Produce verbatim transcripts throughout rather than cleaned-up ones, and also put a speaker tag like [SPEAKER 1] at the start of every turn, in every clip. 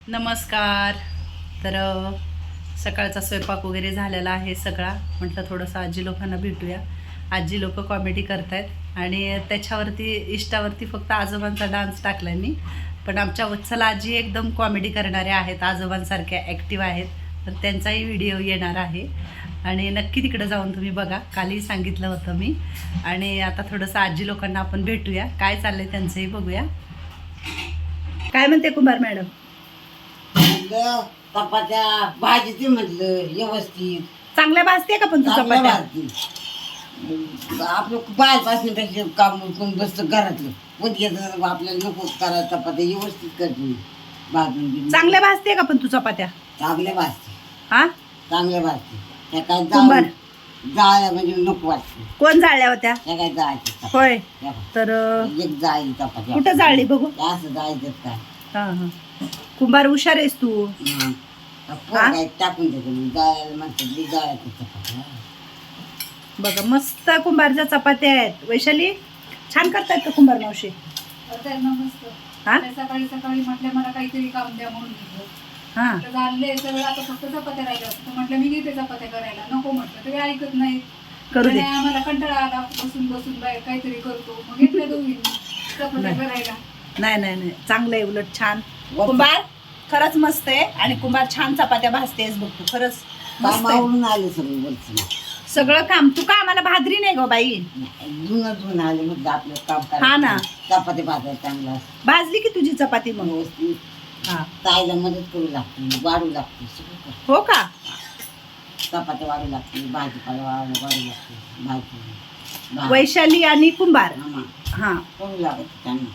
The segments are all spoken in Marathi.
[SPEAKER 1] नमस्कार. तर अ, सकाळचा स्वयंपाक वगैरे झालेला आहे सगळा. म्हटलं थोडंसं आजी लोकांना भेटूया. आजी लोक कॉमेडी करतायत आणि त्याच्यावरती इष्टावरती फक्त आजोबांचा डान्स टाकला मी. पण आमच्या वत्सला आजी एकदम कॉमेडी करणाऱ्या आहेत, आजोबांसारख्या ॲक्टिव्ह आहेत. तर त्यांचाही व्हिडिओ येणार आहे आणि नक्की तिकडे जाऊन तुम्ही बघा. कालही सांगितलं होतं मी. आणि आता थोडंसं आजी लोकांना आपण भेटूया, काय चाललंय त्यांचंही बघूया. काय म्हणते कुंभार मॅडम?
[SPEAKER 2] म्हणलं चपात्या भाजी ते म्हटलं व्यवस्थित
[SPEAKER 1] चांगल्या भाजते का पण तू
[SPEAKER 2] चांगल्या
[SPEAKER 1] चपात्या?
[SPEAKER 2] भाजती. आपलं बाहेरपासून त्याचे काम करून बसतं घरातलं उद्याचं आपल्याला नको करायला चपात्या व्यवस्थित करते भाजून घेऊन.
[SPEAKER 1] चांगल्या भाजते का पण तू चपात्या?
[SPEAKER 2] चांगल्या भाजते
[SPEAKER 1] हा,
[SPEAKER 2] चांगल्या भाजते. त्या काय
[SPEAKER 1] कुंभार.
[SPEAKER 2] जाळ जाळ्या म्हणजे नको वाटते.
[SPEAKER 1] कोण जाळल्या होत्या?
[SPEAKER 2] त्या काय जायचं
[SPEAKER 1] होय. तर अ,
[SPEAKER 2] एक जाळी चपात्या
[SPEAKER 1] कुठं जाळली बघू?
[SPEAKER 2] असं जायचं काय
[SPEAKER 1] हा हा. कुंभार हुशार आहेस तू.
[SPEAKER 2] हं. पोरं काय टाकून देते जायला म्हणतात जायचं चपात्या.
[SPEAKER 1] बघा मस्त कुंभारच्या चपात्या आहेत. वैशाली छान करतायत का कुंभार मावशी? हा
[SPEAKER 3] सकाळी सकाळी म्हटलं मला काहीतरी काम द्या म्हणून घेतलं.
[SPEAKER 1] हा
[SPEAKER 3] म्हटलं झाले सगळं आता फक्त चपात्या राहिल्या असतं म्हटलं मी घेते चपात्या करायला नको म्हटलं तरी ऐकत नाही.
[SPEAKER 1] करू दे.
[SPEAKER 3] आम्हाला कंटाळा आला बसून बसून बाहेर काहीतरी करतो मग घेतल्या दोघी चपात्या
[SPEAKER 1] नाही.
[SPEAKER 3] करायला.
[SPEAKER 1] नाही नाही नाही चांगलं आहे, उलट छान. कुंभार खरंच मस्त आहे आणि कुंभार छान चपात्या भाजतेस बघ तू. खरंच मस्त आहे.
[SPEAKER 2] कामावरून आले सगळे वरचं
[SPEAKER 1] सगळं काम तू का आम्हाला भादरी नाही गो बाई?
[SPEAKER 2] जुनं जुनं आले मग आपलं काम
[SPEAKER 1] हा ना.
[SPEAKER 2] चपाती भाजायला चांगला
[SPEAKER 1] भाजली की तुझी चपाती मग?
[SPEAKER 2] व्यवस्थित
[SPEAKER 1] हा.
[SPEAKER 2] ताईला मदत करू लागते वाढू लागते सगळं करते.
[SPEAKER 1] हो का?
[SPEAKER 2] चपात्या वाढू लागते भाजीपाला वाढू वाढू लागते भाजी भा-
[SPEAKER 1] वैशाली आणि कुंभार.
[SPEAKER 2] आम्हा
[SPEAKER 1] हा
[SPEAKER 2] करू लागत त्यांना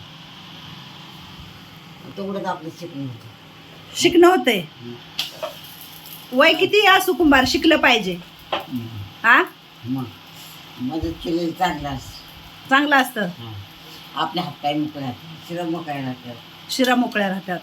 [SPEAKER 2] तेवढंच आपलं शिकणं होतं.
[SPEAKER 1] शिकणं होतंय. वय किती असू कुंभार शिकलं पाहिजे.
[SPEAKER 2] हम्म.
[SPEAKER 1] हा
[SPEAKER 2] मग मदत केलेली चांगलं असतं.
[SPEAKER 1] चांगलं असतं.
[SPEAKER 2] हा. आपल्या हातपाय मोकळे राहतात शिरा मोकळे राहतात.
[SPEAKER 1] शिरा मोकळ्या राहतात.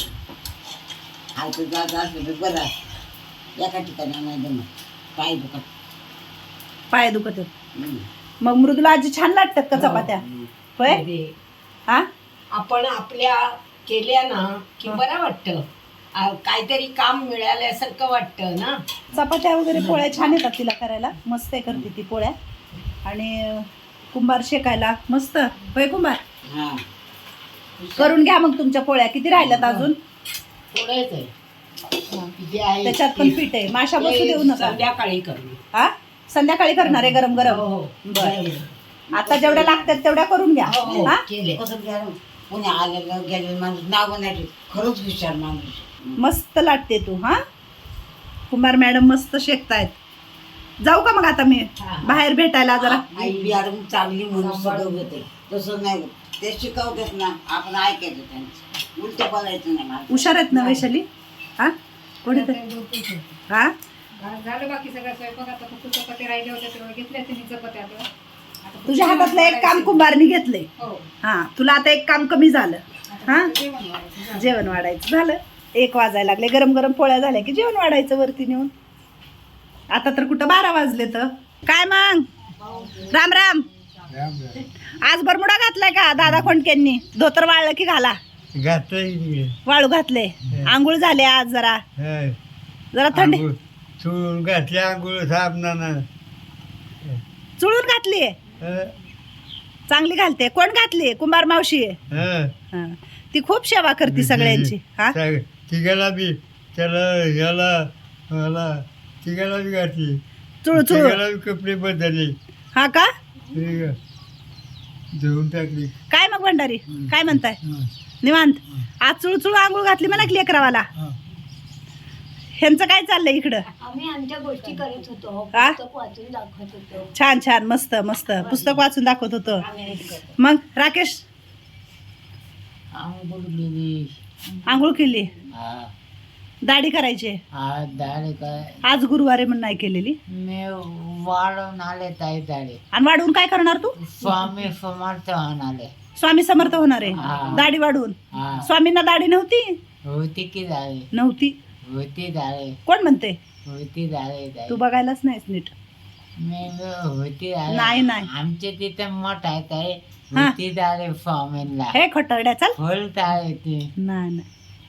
[SPEAKER 2] हात जात असलं तर बरं असतं. एका ठिकाणी नाही जमत पाय दुखत.
[SPEAKER 1] पाय दुखत आहेत.
[SPEAKER 2] हम्म.
[SPEAKER 1] मग मृदुला आजी छान लागतात का चपात्या?
[SPEAKER 2] हम्म.
[SPEAKER 1] होय.
[SPEAKER 4] अरे,
[SPEAKER 1] हा
[SPEAKER 4] आपण आपल्या केल्या ना की
[SPEAKER 1] हा.
[SPEAKER 4] बरं वाटतं. आ, काहीतरी काम मिळाल्यासारखं वाटतं ना.
[SPEAKER 1] चपात्या वगैरे पोळ्या छान येतात तिला करायला. मस्त आहे करते ती पोळ्या. आणि अं, कुंभार शेकायला मस्त. होय कुंभार
[SPEAKER 2] हा.
[SPEAKER 1] करून घ्या मग तुमच्या पोळ्या. किती राहिल्यात अजून?
[SPEAKER 4] थोडंच आहे जे आहे
[SPEAKER 1] त्याच्यात पण
[SPEAKER 4] ते-
[SPEAKER 1] पीठ आहे. माशा बसू
[SPEAKER 4] ते
[SPEAKER 1] देऊ नका.
[SPEAKER 4] संध्याकाळी करू.
[SPEAKER 1] हा संध्याकाळी करणार आहे गरम
[SPEAKER 4] हो
[SPEAKER 1] गरम.
[SPEAKER 4] हो
[SPEAKER 1] बरं.
[SPEAKER 4] बरं.
[SPEAKER 1] आता जेवढ्या लागतात तेवढ्या करून घ्या.
[SPEAKER 4] हो, हो,
[SPEAKER 1] हा
[SPEAKER 4] केले.
[SPEAKER 2] कसं घ्या कोणी आलेलं गेलेलं माणूस नाव नाही खरंच हुशार माणूस.
[SPEAKER 1] मस्त लाटते तू. हा कुंभार मॅडम मस्त शेकतायत. जाऊ का मग आता मी
[SPEAKER 4] हा.
[SPEAKER 1] बाहेर भेटायला जरा?
[SPEAKER 2] आई बिहारून चांगली म्हणून सगळं होते तसं नाही होत. ते शिकवतात ना आपण ऐकायचं त्यांचं उलट बोलायचं नाही मला.
[SPEAKER 1] हुशार आहेत ना वैशाली? हा कोणी
[SPEAKER 3] आता झोपेत होते.
[SPEAKER 1] हा
[SPEAKER 3] झालं बाकी सगळं स्वयंपाक आता फक्त चपात्या राहिल्या होत्या तेव्हा घेतल्या त्यांनी चपात्या आता. आता फक्त
[SPEAKER 1] तुझ्या
[SPEAKER 3] जेवण
[SPEAKER 1] हातातलं एक काम
[SPEAKER 3] वाढायचं.
[SPEAKER 1] कुंभारनी घेतलंय.
[SPEAKER 3] हो
[SPEAKER 1] हा तुला आता एक काम कमी झालं.
[SPEAKER 3] आता
[SPEAKER 1] हा?
[SPEAKER 3] फक्त जेवण वाढायचं. झालं.
[SPEAKER 1] जेवण वाढायचं झालं. एक वाजायला लागले. गरम गरम पोळ्या झाल्या की जेवण वाढायचं वरती नेऊन. आता तर कुठं बारा वाजले तर काय मग? राम राम. आज बरमुडा घातलाय का दादा खोंडकेंनी? धोतर वाळलं की घाला.
[SPEAKER 5] घातलं
[SPEAKER 1] वाळू घातले. आंघोळ झाले आज जरा जरा थंडी
[SPEAKER 5] चुळून घातल्या आंघोळ साबणानं.
[SPEAKER 1] चुळून घातली. चांगली घालते. कोण घातली? कुंभार मावशी आहे.
[SPEAKER 5] हं.
[SPEAKER 1] हा. ती खूप सेवा करते सगळ्यांची. हा
[SPEAKER 5] सग- तिघाला बी त्याला याला मला तिघाला बी घातली.
[SPEAKER 1] चुळ चुळ.
[SPEAKER 5] तिघाला बी कपडे बदलले.
[SPEAKER 1] हा का?
[SPEAKER 5] ठीक. धुवून टाकली.
[SPEAKER 1] काय मग भंडारी काय म्हणताय?
[SPEAKER 5] हं.
[SPEAKER 1] निवांत. आज चुळचुळ आंघोळ घातली मला की लेकरावाला.
[SPEAKER 5] हं.
[SPEAKER 1] ह्यांचं काय चाललंय इकडं?
[SPEAKER 4] आम्ही आमच्या गोष्टी करत होतो.
[SPEAKER 1] हा?
[SPEAKER 4] पुस्तक वाचून दाखवत होतो.
[SPEAKER 1] छान छान मस्त मस्त पुस्तक वाचून दाखवत होतं. मग राकेश
[SPEAKER 6] आंघोळ केली.
[SPEAKER 1] आंघोळ केली.
[SPEAKER 6] हा
[SPEAKER 1] दाढी करायची.
[SPEAKER 6] हा दाढी काय
[SPEAKER 1] आज गुरुवारी म्हणून नाही केलेली.
[SPEAKER 6] मी वाढवून आले ताई दाढी.
[SPEAKER 1] आणि वाढवून काय करणार तू?
[SPEAKER 6] स्वामी समर्थ आले.
[SPEAKER 1] स्वामी समर्थ होणार आहे.
[SPEAKER 6] हा.
[SPEAKER 1] दाढी वाढवून.
[SPEAKER 6] हा
[SPEAKER 1] स्वामींना दाढी नव्हती?
[SPEAKER 6] होती की दाढी.
[SPEAKER 1] नव्हती.
[SPEAKER 6] होती दाढी.
[SPEAKER 1] कोण म्हणते?
[SPEAKER 6] होती दाढी ताई.
[SPEAKER 1] तू बघायलाच नाहीस नीट.
[SPEAKER 6] मी होती दाढी.
[SPEAKER 1] नाही, नाही.
[SPEAKER 6] आमच्या तिथे मठ आहे ताई.
[SPEAKER 1] हा.
[SPEAKER 6] होती दाढी स्वामींना.
[SPEAKER 1] हे खटरड्या चाल.
[SPEAKER 6] फुल दाढी ती.
[SPEAKER 1] नाही नाही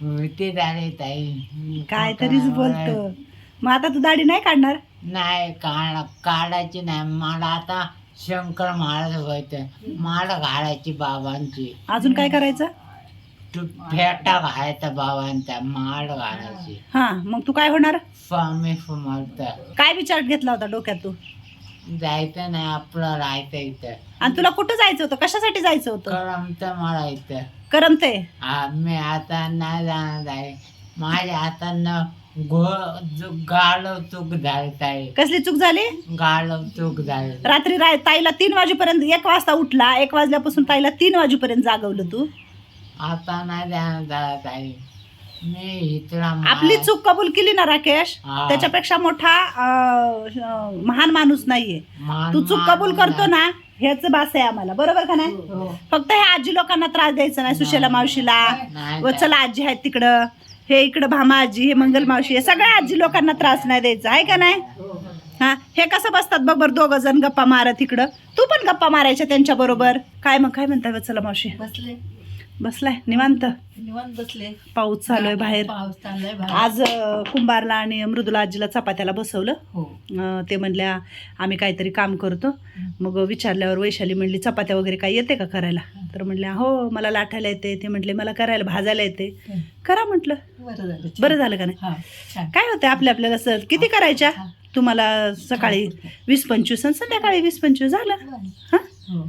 [SPEAKER 6] होती झाले ताई
[SPEAKER 1] काय तरीच बोलतो. मग आता तू दाढी नाही काढणार?
[SPEAKER 6] नाही काढ काढायची नाही मला आता शंकर महाराज व्हायचं माळ घालायची बाबांची.
[SPEAKER 1] अजून काय करायचं?
[SPEAKER 6] तू फेटा घालायचा बाबांचा माळ घालायची.
[SPEAKER 1] हा, मग तू काय होणार?
[SPEAKER 6] स्वामी समर्थ.
[SPEAKER 1] काय विचार घेतला होता डोक्यात तू?
[SPEAKER 6] जायचं नाही आपलं राहायचं इथं.
[SPEAKER 1] आणि तुला कुठं जायचं होतं? कशासाठी जायचं होतं?
[SPEAKER 6] करमतं मला इथं.
[SPEAKER 1] करमते?
[SPEAKER 6] आम्ही आता नाही जाणार आहे माझ्या हातानं घो गाळव चूक झाली आहे.
[SPEAKER 1] कसली चूक झाली?
[SPEAKER 6] गाळव चूक झाली.
[SPEAKER 1] रात्री राय ताईला तीन वाजेपर्यंत, एक वाजता उठला, एक वाजल्यापासून ताईला तीन वाजेपर्यंत जागवलं तू.
[SPEAKER 6] आता नाही जाणार जात आहे मी इथला
[SPEAKER 1] आपली चूक कबूल केली ना राकेश,
[SPEAKER 6] हा.
[SPEAKER 1] त्याच्यापेक्षा मोठा अं, महान माणूस नाहीये.
[SPEAKER 6] मान-
[SPEAKER 1] तू चूक
[SPEAKER 6] मान
[SPEAKER 1] कबूल करतो ना, हेच बास आहे आम्हाला, बरोबर का नाही? फक्त हे आजी लोकांना त्रास द्यायचा नाही. सुशेला मावशीला
[SPEAKER 6] नाही
[SPEAKER 1] व चला आजी आहेत तिकडं, हे इकडं भामा आजी, हे मंगल मावशी, हे सगळ्या आजी लोकांना त्रास नाही द्यायचा आहे का नाही? हा, हे कसं बसतात बघ बरं दोघ जण गप्पा मारत इकडं, तू पण गप्पा मारायच्या त्यांच्या बरोबर. काय मग काय म्हणताय चला मावशी?
[SPEAKER 7] बसले
[SPEAKER 1] बसलाय निवांत?
[SPEAKER 7] निवांत बसले.
[SPEAKER 1] पाऊस चालू आहे बाहेर.
[SPEAKER 7] पाऊस चाललाय बाहेर.
[SPEAKER 1] आज अं, कुंभारला आणि मृदुला आजीला चपात्याला बसवलं.
[SPEAKER 7] हो
[SPEAKER 1] अं, ते म्हणल्या आम्ही काहीतरी काम करतो. मग विचारल्यावर वैशाली म्हणली चपात्या वगैरे काही येते का करायला? तर म्हणल्या हो मला लाटायला येते. ते म्हटले मला करायला भाजायला येते. करा म्हटलं.
[SPEAKER 7] बरं झालं.
[SPEAKER 1] बरं झालं का नाही?
[SPEAKER 7] हा छान.
[SPEAKER 1] काय होतं आपल्या आपल्याला सर किती करायच्या? तुम्हाला सकाळी वीस पंचवीस आणि संध्याकाळी वीस पंचवीस झालं. हा,
[SPEAKER 7] हो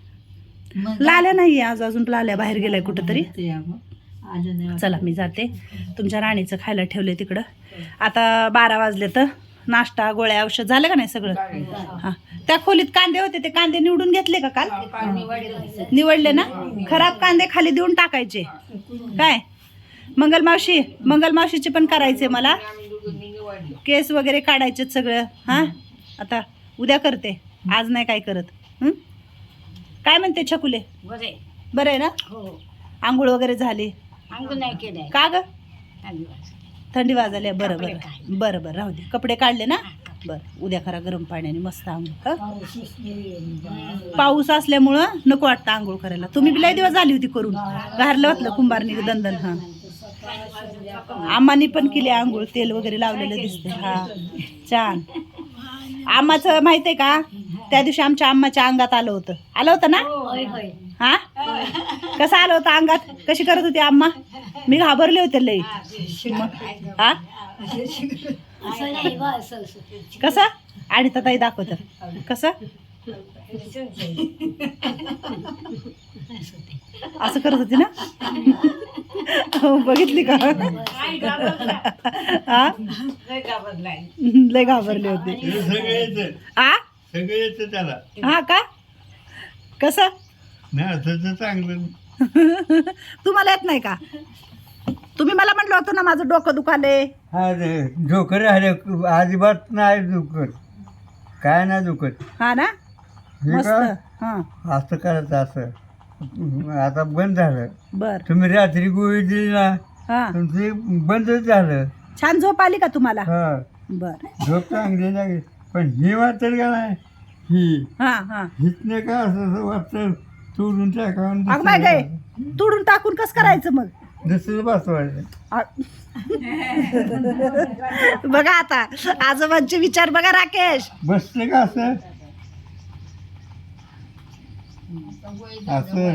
[SPEAKER 7] मग
[SPEAKER 1] लाल्या नाही आज अजून. लाल्या बाहेर गेलाय कुठंतरी.
[SPEAKER 7] ते अगं, आलं नाही
[SPEAKER 1] चला मी जाते. तुमच्या राणीचं खायला ठेवलंय तिकडं. आता बारा वाजले तर नाश्ता गोळ्या औषध झालं का नाही सगळं? हां, त्या खोलीत कांदे होते ते कांदे निवडून घेतले का काल? निवडले ना? खराब कांदे खाली देऊन टाकायचे. काय मंगल मावशी, मंगल मावशीचे पण करायचे मला. केस वगैरे काढायचे सगळं. हां, आता उद्या करते, आज नाही काय करत. हं? काय म्हणते छकुले?
[SPEAKER 4] बरे
[SPEAKER 1] बरं आहे ना?
[SPEAKER 4] हो
[SPEAKER 1] आंघोळ वगैरे झाली
[SPEAKER 4] अंग नाही केलंय
[SPEAKER 1] का ग?
[SPEAKER 4] आदिवासी.
[SPEAKER 1] थंडी वाजायला. बरं
[SPEAKER 4] कपडे
[SPEAKER 1] बरं
[SPEAKER 4] काढले.
[SPEAKER 1] बरं बरं राहू दे. कपडे काढले ना? बरं उद्या करा गरम पाण्याने मस्त आंघोळ. हं? पाऊस असल्यामुळं नको वाटतं आंघोळ करायला. तुम्ही बी लय दिवस झाली होती करून, घारलं होतं कुंभारनी दंदन. हां, आम्हानी पण केली आंघोळ, तेल वगैरे लावलेलं दिसते. हा छान. आम्हाचं माहित आहे का, त्या दिवशी आमच्या आम्हाच्या अंगात आलं होतं. आलं होतं ना? हा, कसं आलं होतं अंगात? कशी करत होती आम्हा? मी घाबरले होते लई. हा, कसं? आणि ताई दाखवत कसं असं करत होती ना? हो, बघितली का? हा, लय घाबरले होते.
[SPEAKER 5] हे सगळं येतं,
[SPEAKER 1] आ
[SPEAKER 5] सगळं येतं त्याला.
[SPEAKER 1] हा का? कसं?
[SPEAKER 5] नाही असं चांगलं.
[SPEAKER 1] तुम्हाला येत नाही का? तुम्ही मला म्हटलं होतं ना माझं डोकं दुखाले.
[SPEAKER 5] हा झोकर आले अजिबात नाही दुखत, काय नाही दुखत.
[SPEAKER 1] हा ना,
[SPEAKER 5] हे
[SPEAKER 1] मस्त.
[SPEAKER 5] का
[SPEAKER 1] हा,
[SPEAKER 5] असं करायचं असं. आता बंद झालं.
[SPEAKER 1] बर.
[SPEAKER 5] तुम्ही रात्री गोळी दिली ना,
[SPEAKER 1] हा,
[SPEAKER 5] तुमची बंदच झालं.
[SPEAKER 1] छान झोप आली का तुम्हाला?
[SPEAKER 5] हा,
[SPEAKER 1] बर.
[SPEAKER 5] झोप चांगली लागेल. पण ही वाटतं का नाही, ही
[SPEAKER 1] हा हा,
[SPEAKER 5] हितने का असं असं वाटतं तोडून टाकावं.
[SPEAKER 1] अग बाय काय तोडून टाकून कसं करायचं मग?
[SPEAKER 5] दुसरं बसवायचं.
[SPEAKER 1] आ- बघा आता आजोबांचे विचार बघा राकेश.
[SPEAKER 5] बसते का असं असं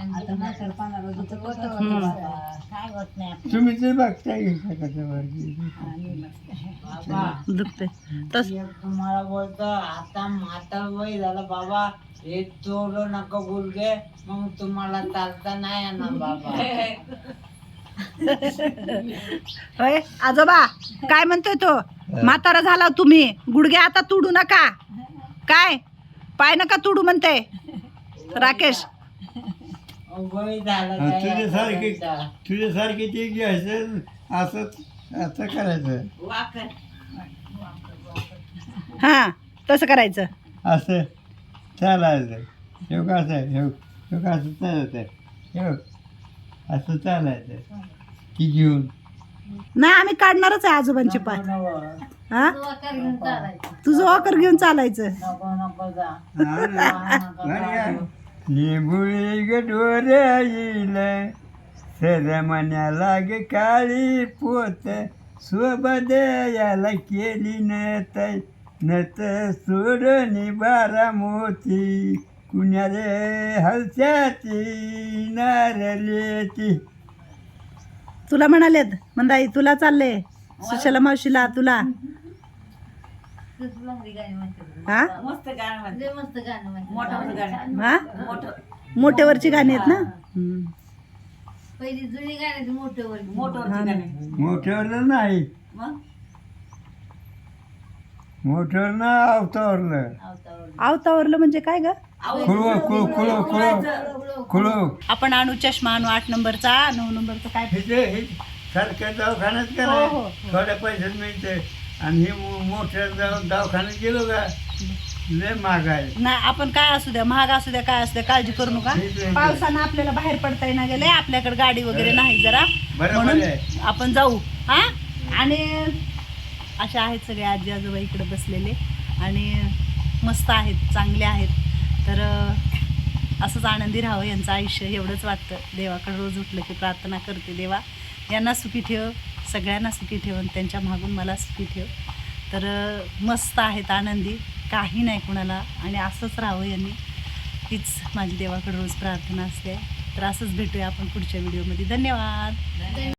[SPEAKER 5] तुम्ही ते बघताय
[SPEAKER 1] दुखते तस.
[SPEAKER 6] तुम्हाला बोलतो आता माता वय झालं बाबा, हे तोडू नका गुडघे, मग तुम्हाला चालता नाही येणार बाबा.
[SPEAKER 1] होय आजोबा, काय म्हणतोय तो? म्हातारा झाला तुम्ही, गुडघे आता तुडू नका. काय पाय नका तुडू म्हणते राकेश.
[SPEAKER 6] वय झालं
[SPEAKER 5] तुझ्यासारखे
[SPEAKER 6] काय?
[SPEAKER 5] तुझ्यासारखे ते घ्यायचं असं असं करायचं.
[SPEAKER 1] हा, तसं करायचं.
[SPEAKER 5] असं चालायचं. हे का असं हे हे का असं चालायचं. हे असं चालायचं की घेऊन.
[SPEAKER 1] नाही आम्ही काढणारच आहे आजोबांचे पाय. हा, तुझं वाकर घेऊन चालायचं.
[SPEAKER 6] नको नको जा.
[SPEAKER 5] लिंबुळी गडोऱ्या येईल सरमण्या लागे काळी पोत सोबत याला केली नत नत सोडणी बारा मोती कुण्या रे हलच्याची नारलेची.
[SPEAKER 1] तुला म्हणालेत मंदाई तुला चालले सुशला मावशीला तुला हा
[SPEAKER 2] मस्त गाणं म्हणते.
[SPEAKER 7] मस्त गाणं म्हणते.
[SPEAKER 2] मोठं गाणं
[SPEAKER 1] हा
[SPEAKER 2] मोठं
[SPEAKER 1] मोठ्यावरची गाणी आहेत ना हम्म.
[SPEAKER 7] पहिली जुनी गाणी मोठ्यावर
[SPEAKER 2] मोठं गाणं
[SPEAKER 5] मोठ्यावरलं नाही
[SPEAKER 2] मग
[SPEAKER 5] मोठ्यावर ना अवतावरलं
[SPEAKER 1] आवतावरलं म्हणजे काय ग
[SPEAKER 5] खुळव खुळ खुळ खुळ खुळव
[SPEAKER 1] आपण आणू चष्मा आणू आठ नंबरचा नऊ नंबरचा काय
[SPEAKER 5] हे जे हे सारख्या दवाखान्यात का
[SPEAKER 1] हो, हो,
[SPEAKER 5] नाही
[SPEAKER 1] हो.
[SPEAKER 5] थोड्या पैशात मिळते आणि हे मो- मोठ्या दवा- दवाखान्यात गेलो का लय महाग आहे.
[SPEAKER 1] नाही आपण काय असू द्या महाग असू द्या काय असू द्या काळजी करू नका
[SPEAKER 5] ठीक आहे.
[SPEAKER 1] पावसानं आपल्याला बाहेर पडता येणार गेले आपल्याकडे गाडी वगैरे नाही जरा
[SPEAKER 5] बरोबर
[SPEAKER 1] म्हणून
[SPEAKER 5] आहे.
[SPEAKER 1] आपण जाऊ हा आणि अशा आहेत सगळे आजी आजोबा इकडे बसलेले आणि मस्त आहेत चांगले आहेत तर अं, असंच आनंदी राहावं यांचं आयुष्य एवढंच वाटतं. देवाकडे रोज उठलं की प्रार्थना करते देवा यांना सुखी ठेव सगळ्यांना सुखी ठेव आणि त्यांच्या मागून मला सुखी ठेव. तर अं, मस्त आहेत आनंदी काही नाही कुणाला आणि असंच राहावं यांनी हीच माझी देवाकडे रोज प्रार्थना असते. तर असंच भेटूया आपण पुढच्या व्हिडिओमध्ये. धन्यवाद.